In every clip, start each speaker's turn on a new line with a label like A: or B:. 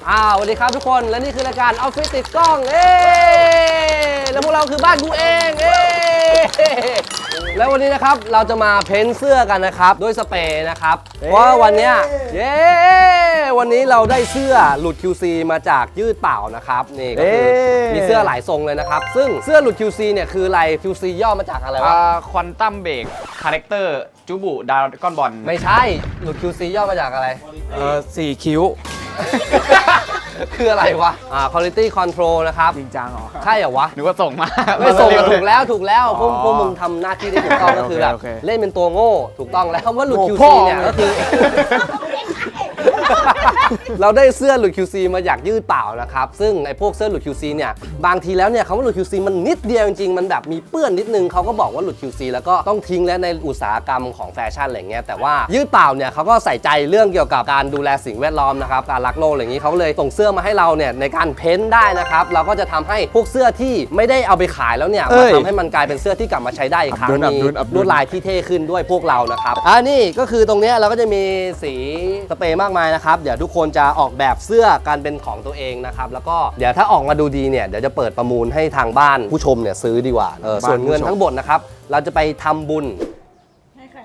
A: สวัสดีครับทุกคนและนี่คือรายการออฟฟิศติดกล้องแล้วพวกเราคือบ้านกูเองแล้ววันนี้นะครับเราจะมาเพ้นเสื้อกันนะครับด้วยสเปรย์นะครับเพราะวันนี้วันนี้เราได้เสื้อหลุด QC มาจากยืดเปล่านะครับนี่ก็คือมีเสื้อหลายทรงเลยนะครับซึ่งเสื้อหลุด QC เนี่ยคืออะไร QC ย่อมาจากอะไรวะ
B: ควอนตัมเบรกคาแรคเตอร์จูบุดาวก้อนบอล
A: ไม่ใช่หลุด QC ย่อมาจากอะไร
C: 4 คิ้ว
A: คืออะไรวะquality control นะครับ
C: จริงจังเหรอ
A: ใช่เหรอวะ
B: นึกว่าส่งมา
A: ไม่ส่งถูกแล้วพวกมึงทำหน้าที่ได้ถูกต้องก็คือแบบเล่นเป็นตัวโง่ถูกต้องแล้วคำว่าหลุด QC เนี่ยก็คือเราได้เสื้อหลุด QC มาอยากยืดเปล่านะครับซึ่งไอ้พวกเสื้อหลุด QC เนี่ยบางทีแล้วเนี่ยคำว่าหลุด QC มันนิดเดียวจริงๆมันแบบมีเปื้อนนิดนึงเขาก็บอกว่าหลุด QC แล้วก็ต้องทิ้งแล้วในอุตสาหกรรมของแฟชั่นอะไรเงี้ยแต่ว่ายืดเปล่าเนี่ยเขาก็ใส่ใจเรื่องเกี่ยวกับการดูแลสิ่งแวดล้อมนะครับการรักโลกอะไรอย่างนี้เขาเลยส่งเสื้อมาให้เราเนี่ยในการเพ้นท์ได้นะครับเราก็จะทำให้พวกเสื้อที่ไม่ได้เอาไปขายแล้วเนี่ยมาทำให้มันกลายเป็นเสื้อที่กลับมาใช้ได้อีกครั้งมีลวดลายที่เท่ขึ้นด้วยพวกเรานะครับนี่ก็คือตรงนี้เราก็จะมีสีสเปรย์มากมายนะครับเดี๋ยวทุกคนจะออกแบบเสื้อการเป็นของตัวเองนะครับแล้วก็เดี๋ยวถ้าออกมาดูดีเนี่ยเดี๋ยวจะเปิดประมูลให้ทางบ้านผู้ชมเนี่ยซื้อดีกว่าส่วนเงินทั้งหมดนะครับเราจะไปทำบุญให้ใคร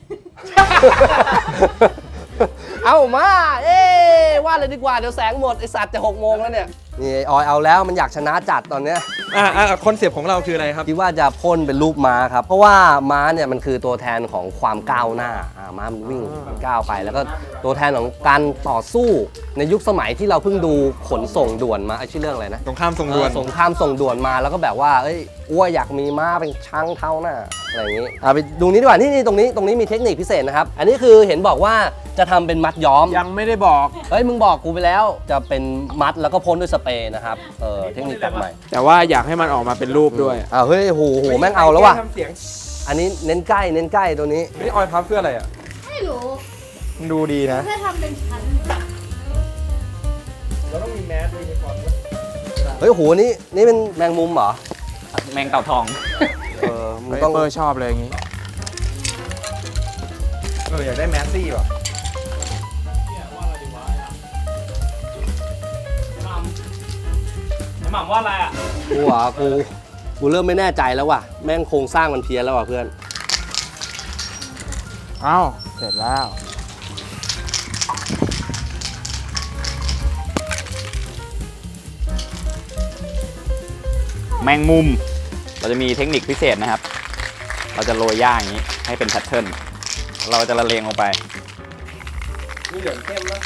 A: เอามาว่าเลยดีกว่าเดี๋ยวแสงหมดไอสัตว์จะ6 โมงแล้วเนี่ยนี่ออยเอาแล้วมันอยากชนะจัดตอนเนี้ย
C: คอนเซปต์ของเราคืออะไรครับ
A: คิดว่าจะพ่นเป็นรูปม้าครับเพราะว่าม้าเนี่ยมันคือตัวแทนของความก้าวหน้าม้ามันวิ่งก้าวไปแล้วก็ตัวแทนของการต่อสู้ในยุคสมัยที่เราเพิ่งดูขนส่งด่วนมาชื่อเรื่องอะไรนะ
C: สงครามส่งด่วน
A: สงครามส่งด่วนมาแล้วก็แบบว่าอ้วอยากมีม้าเป็นช้างเท้าหน้าอะไรอย่างนี้ไปดูนี้ดีกว่านี่ตรงนี้มีเทคนิคพิเศษนะครับอันนี้คือเห็นบอกว่าจะทำเป็นมัดย้อม
C: ยังไม่ได้บอก
A: มึงบอกกูไปแล้วจะเป็นมัดแล้วก็พ่นด้วยสเปรย์นะครับเทคนิคแบบใหม่
C: แต่ว่าอยากให้มันออกมาเป็นรูปด้วย
A: เฮ้ยโหแม่งเอาแล้วว่ะอันนี้เน้นใกล้ตัวนี้
C: นี่ออยพับเพื่ออะไรอ่ะ
D: ไม่รู้
C: มันดูดีนะ
D: เพื่อทำเป็นชั้น
C: เราต้องมีแมสด้วยก่อน
A: โหนี่เป็นแมงมุมเหรอ
B: แมงเต่าทอง
C: มึงต้องชอบเลยอย่างงี้อยากได้แมสซี่ว่ะ
B: หม่ำว่าอะไรอ่ะ
A: กูเริ่มไม่แน่ใจแล้วว่ะแม่งโครงสร้างมันเพี้ยนแล้วว่ะเพื่อน
C: เสร็จแล้ว
B: แมงมุมเราจะมีเทคนิคพิเศษนะครับเราจะโรยหญ้าอย่างนี้ให้เป็นแพทเทิร์นเราจะละเลงลงไป
A: นี่เหลืองเข้มนะ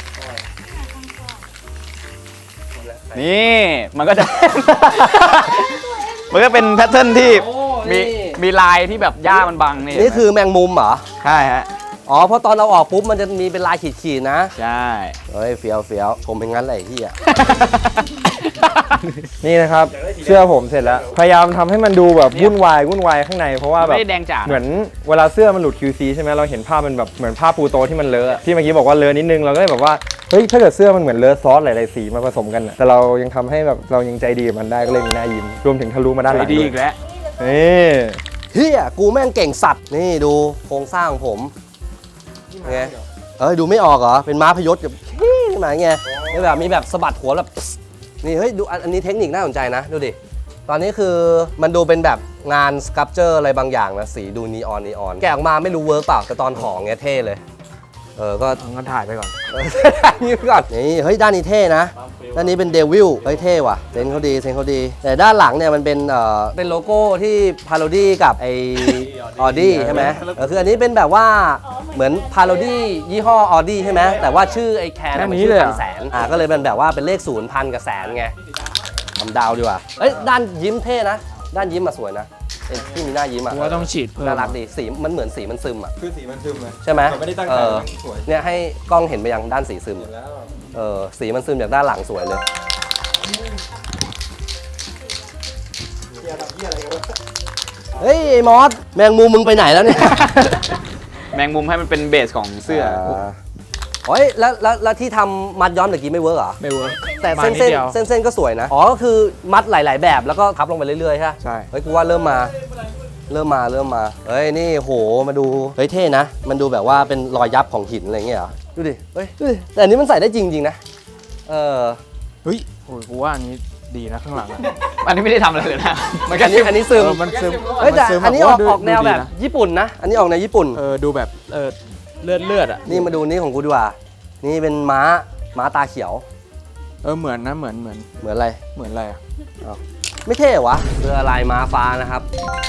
B: นี่มันก็จะ มันก็เป็นแพทเทิร์นที่มีลายที่แบบหญ้ามันบัง
A: นี่คือแมงมุมเหรอ
B: ใช่ฮะ
A: เพราะตอนเราออกปุ๊บมันจะมีเป็นลายขีดๆนะ
B: ใช่
A: เฟี้ยวชมเป็นงั้นเลยที่
C: นี่นะครับเสื้อผมเสร็จแล้วพยายามทำให้มันดูแบบวุ่นวายข้างในเพราะว่าแบบ
B: ไม่แดงจ๋า
C: เหมือนเวลาเสื้อมันหลุด QC ใช่ไหมเราเห็นภาพมันแบบเหมือนภาพปูโตที่มันเลอะที่เมื่อกี้บอกว่าเลอะนิดนึงเราก็เลยแบบว่าเฮ้ยถ้าเกิดเสื้อมันเหมือนเลอะซอสหลายๆสีมาผสมกันแต่เรายังทำให้แบบเรายังใจดีกับมันได้ก็เลยมีหน้ายิ้มรวมถึงทะลุมาด้านหลัง
B: ดีอีกแล้ว
A: กูแม่งเก่งสัตว์นี่ดูโครงสร้างของผมไงดูไม่ออกเหรอเป็นม้าพยศกับขึ้นมาไงแบบมีแบบสะบัดหัวแบบนี่ดูอันนี้เทคนิคน่าสนใจนะดูดิตอนนี้คือมันดูเป็นแบบงานสครับเจอร์อะไรบางอย่างนะสีดูนีออนแกะออกมาไม่รู้เวิร์กเปล่าแต่ตอนของเงี้ยเท่เลยก็
C: งั้นถ่ายไปก่อน
A: นี่ก่อนนี่ด้านนี้เท่นะด้านนี้เป็นเดวิลเท่ว่ะเซนเขาดีแต่ด้านหลังเนี่ยมันเป็นโลโก้ที่พาโรดี้กับไอออดี้ใช่ไหมคืออันนี้เป็นแบบว่าเหมือนพาโรดี้ยี่ห้อออดี้ใช่ไหมแต่ว่าชื่อไอแคนมันชื่อพันแสนก็เลยเป็นแบบว่าเป็นเลข0 1,000 กับแสนไงทำดาวดีกว่าด้านยิ้มเท่นะด้านยิ้มมาสวยนะที่มีหน้ายิ้ม
C: ว่าต้องฉีดเพิ่ม
A: น่ารักดีสีมันเหมือนสีมันซึม
C: คือสีมันซึมเลย
A: ใช่ไหม
C: ไม่ได้ตั้งใจสวย
A: เนี่ยให้กล้องเห็นไปยังด้านสีซึมสีมันซึมจากด้านหลังสวยเลยเฮ้ยไอ้มอสแมงมุมมึงไปไหนแล้วเนี่ย
B: แมงมุมให้มันเป็นเบสของเสื้อ
A: แล้วที่ทำมัดย้อมเมื่อกี้ไม่เวิร์กเหรอ
C: ไม่เวิร์ก
A: แต่เส้นก็สวยนะก็คือมัดหลายๆแบบแล้วก็ทับลงไปเรื่อยๆใช่กูว่าเริ่มมานี่โหมาดูเท่นะมันดูแบบว่าเป็นรอยยับของหินอะไรเงี้ยเหรอดูดิแต่อันนี้มันใส่ได้จริงๆนะ
D: เฮ้ยโอ้ยกูว่าอันนี้ดีนะข้างหลังอะ
B: อันนี้ไม่ได้ทำอะไรเลยนะ มันก็
A: อันนี้ซึม
D: มันซึม
A: เฮ้ยแต่
D: มัซึม
A: อันนี้ออกแนวแบบ
D: ดูดีะ
A: ญี่ปุ่นนะ อันนี้ออกแนวญี่ปุ่น
D: ดูแบบเลือดอ่ะ
A: นี่มาดูนี่ของกูดีกว่า นี่เป็นม้าตาเขียว
D: เหมือนนะเหมือน
A: เหมือนอะไร
D: เหมือนอะไรอ่ะ
A: ไม่เท่เหรอวะเรือลายม้าฟ้านะครับ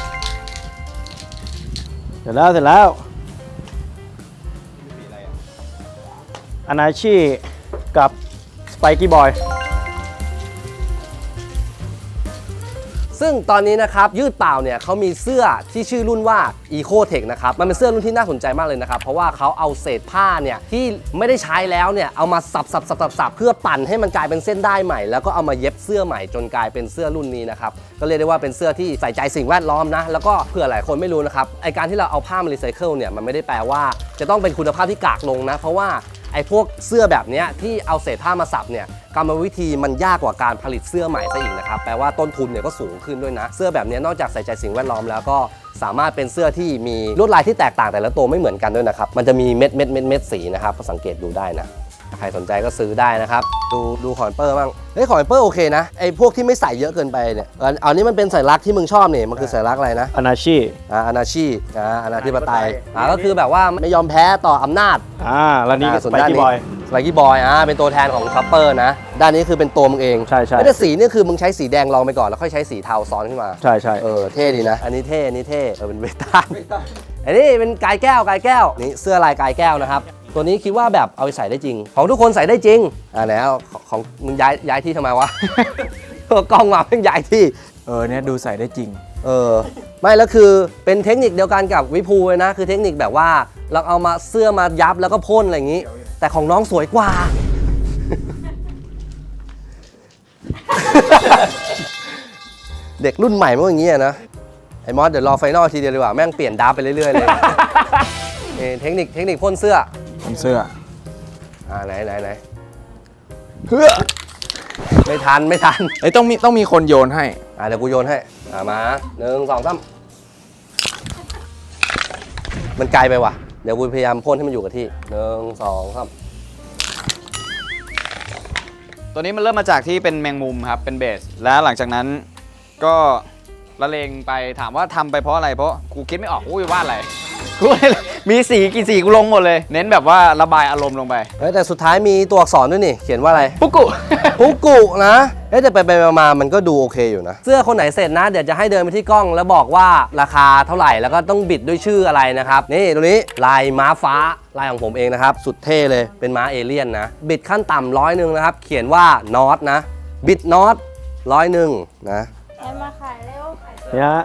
E: เสร็จแล้วอนาชิกับสไปกี้บอย
A: ซึ่งตอนนี้นะครับยืดเปล่าเนี่ยเขามีเสื้อที่ชื่อรุ่นว่า Eco Tech นะครับมันเป็นเสื้อรุ่นที่น่าสนใจมากเลยนะครับเพราะว่าเขาเอาเศษผ้าเนี่ยที่ไม่ได้ใช้แล้วเนี่ยเอามาสับเพื่อปั่นให้มันกลายเป็นเส้นได้ใหม่แล้วก็เอามาเย็บเสื้อใหม่จนกลายเป็นเสื้อรุ่นนี้นะครับก็เรียกได้ว่าเป็นเสื้อที่ใส่ใจสิ่งแวดล้อมนะแล้วก็เผื่อหลายคนไม่รู้นะครับไอการที่เราเอาผ้ามารีไซเคิลเนี่ยมันไม่ได้แปลว่าจะต้องเป็นคุณภาพที่กากลงนะเพราะว่าไอ้พวกเสื้อแบบนี้ที่เอาเศษผ้ามาสับเนี่ยกรรมวิธีมันยากกว่าการผลิตเสื้อใหม่ซะอีกนะครับแปลว่าต้นทุนเนี่ยก็สูงขึ้นด้วยนะเสื้อแบบนี้นอกจากใส่ใจสิ่งแวดล้อมแล้วก็สามารถเป็นเสื้อที่มีลวดลายที่แตกต่างแต่ละตัวไม่เหมือนกันด้วยนะครับมันจะมีเม็ดสีนะครับก็สังเกตดูได้นะใครสนใจก็ซื้อได้นะครับดูคอนเปอร์บ้างเฮ้ยคอนเปอร์โอเคนะไอ้พวกที่ไม่ใส่เยอะเกินไปเนี่ยอันนี้มันเป็นสัญลักษณ์ที่มึงชอบเนี่ยมันคือสัญลักษณ์อะไรนะ
E: อนาชิ
A: อนาชีอนาธิปไตยก็คือแบบว่าไม่ยอมแพ้ต่ออำนาจ
E: แล้วนี่ส
A: ส่วน
E: ไป
A: ด้าน
E: กี้
A: นี้
E: บอย
A: สไปกี้บอยเป็นตัวแทนของคัพเปอร์นะด้านนี้คือเป็นตัวมึงเอง
E: ใช่
A: แต่สีนี่คือมึงใช้สีแดงลองไปก่อนแล้วค่อยใช้สีเทาซ้อนขึ้นมา
E: ใช่
A: เท่ดีนะอันนี้เท่เป็นเวตันอันนี้เป็นกายแก้วนี่เสื้อลายกายแก้วนะครับตัวนี้คิดว่าแบบเอาไปใส่ได้จริง ของทุกคนใส่ได้จริงแล้วของมึงย้ายที่ทำไมวะ กล้องมาเพิ่งย้ายที่
D: เนี่ยดูใส่ได้จริง
A: ไม่แล้วคือเป็นเทคนิคเดียวกันกับวิภูเลยนะคือเทคนิคแบบว่าเราเอามาเสื้อมายับแล้วก็พ่นอะไรอย่างนี้ แต่ของน้องสวยกว่า เด็กรุ่นใหม่มันก็อย่างนี้นะไอ้มอสเดี๋ยวรอไฟนอลทีเดียวดีกว่าแม่งเปลี่ยนดาร์ฟไปเรื่อยๆเลย เทคนิคพ่นเสื้อ
D: ผมเสื้อ
A: ไหนเฮ้อไม่ทัน
D: ต้องมีคนโยนให้
A: เดี๋ยวกูโยนให้มา1 2 3มันไกลไปว่ะเดี๋ยวกูพยายามพ่นให้มันอยู่กับที่1 2 3
B: ตัวนี้มันเริ่มมาจากที่เป็นแมงมุมครับเป็นเบสแล้วหลังจากนั้นก็ละเลงไปถามว่าทำไปเพราะอะไรเพราะกูคิดไม่ออกกูจะวาดอะไรกูมีสีกี่สีกูลงหมดเลย เน้นแบบว่าระบายอารมณ์ลงไป
A: แต่สุดท้ายมีตัวอักษรด้วยนี่เขียนว่าอะไร
B: ปุ๊กกุ
A: ปุ๊กกุนะแต่ไปมามันก็ดูโอเคอยู่นะเสื้อคนไหนเสร็จนะเดี๋ยวจะให้เดินไปที่กล้องแล้วบอกว่าราคาเท่าไหร่แล้วก็ต้องบิดด้วยชื่ออะไรนะครับนี่ตัวนี้ลายม้าฟ้าลายของผมเองนะครับสุดเท่เลยเป็นม้าเอเลี่ยนนะบิดขั้นต่ำ100นะครับเขียนว่านอตนะบิดนอต100นะ
F: มาขายเร็ว
E: เนี่ยฮะ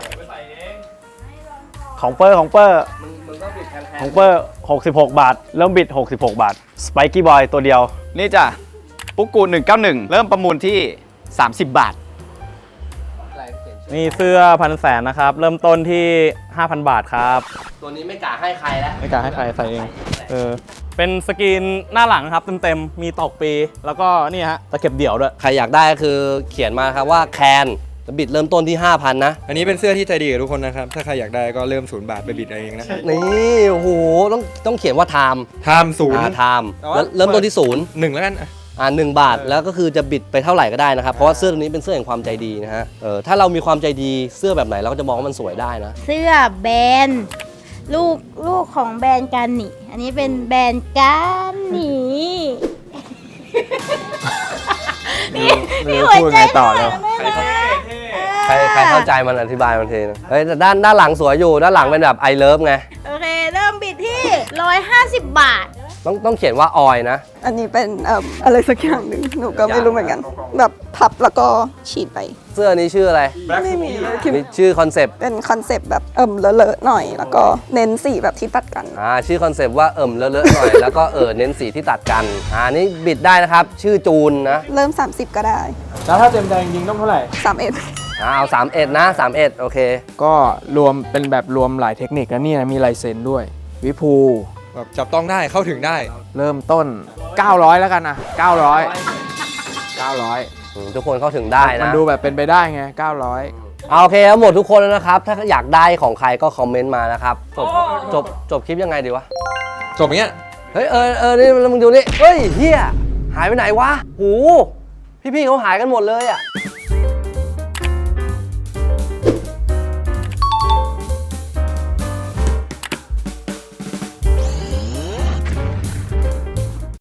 E: ของเปอร์66 บาทเริ่มบิด66 บาทสไปกี้บอยตัวเดียว
B: นี่จ้ะปุ๊กกุ191เริ่มประมูลที่30 บาท
E: นี่เสื้อ1,100,000นะครับเริ่มต้นที่ 5,000 บาทครับ
A: ตัวนี้ไม่กล้าให้ใครแล้ว
E: ไม่กล้าให้ใครใส่เองเป็นสกรีนหน้าหลังครับเต็มๆมีตอกปีแล้วก็นี่ฮะตะเข็บเดี่ยวด้วย
A: ใครอยากได้ก็คือเขียนมาครับว่าแคนบิดเริ่มต้นที่ 5,000 นะ
C: อันนี้เป็นเสื้อที่ใจดีกับทุกคนนะครับถ้าใครอยากได้ก็เริ่ม0 บาทไปบิดเอาเองนะ
A: นี่โอ้โหต้องเขียนว่าไทม์
C: ไทม์ศูนย์
A: ไทม์แล้วเริ่มต้นที่0
C: 1แล้วกัน
A: 1 บาทแล้วก็คือจะบิดไปเท่าไหร่ก็ได้นะครับเพราะว่าเสื้อตัวนี้เป็นเสื้อแห่งความใจดีนะฮะถ้าเรามีความใจดีเสื้อแบบไหนเราก็จะมองว่ามันสวยได้นะ
F: เสื้อแบรนด์ลูกของแบรนด์กันนี่อันนี้เป็นแบรนด์กันนี่
D: ไม่รู้พูดไงต่อแล้ว
A: ใครเข้าใจมันอธิบายมันทีนะแต่ด้านหลังสวยอยู่ด้านหลังเป็นแบบไอเลิฟไง
F: โอเคเริ่มบิดที่150 บาท
A: ต้องเขียนว่าออยนะ
G: อันนี้เป็นอะไรสักอย่างหนึ่งหนูก็ไม่รู้เหมือนกัน แบบพับแล้วก็ฉีดไป
A: เสื้อนี้ชื่ออะไร
G: ไม่มีเลยคิด
A: มีชื่อคอนเซปต์
G: เป็นคอนเซปต์แบบเลอะๆหน่อย แล้วก็เน้นสีแบบที่ตัดกัน
A: ชื่อคอนเซปต์ว่าเลอะๆหน่อย แล้วก็เน้นสีที่ตัดกันนี่บิดได้นะครับชื่อจูนนะ
G: เริ่ม 30 ก็ได้
E: แล้วถ้าเต็มใจจริงๆต้องเท่าไหร่
G: 31
A: เอา31นะ31โอเค
D: ก็รวมเป็นแบบรวมหลายเทคนิคนะเนี่ยมีลายเซ็นด้วย วิภู
C: แบบจับต้องได้เข้าถึงได้
D: เริ่มต้น 900 แล้วกันนะ900
A: ทุกคนเข้าถึงได้
D: 900 มัน
A: นะ
D: ดูแบบเป็นไปได้ไง 900
A: โอเคหมดทุกคนแล้วนะครับ ถ้าอยากได้ของใครก็คอมเมนต์มานะครับจบคลิปยังไงดีวะ
C: จบอย่างเงี้ย
A: เฮ้ยนี่มึงดูนี่เฮ้ยเฮียหายไปไหนวะหูพี่ๆเขาหายกันหมดเลยอ่ะ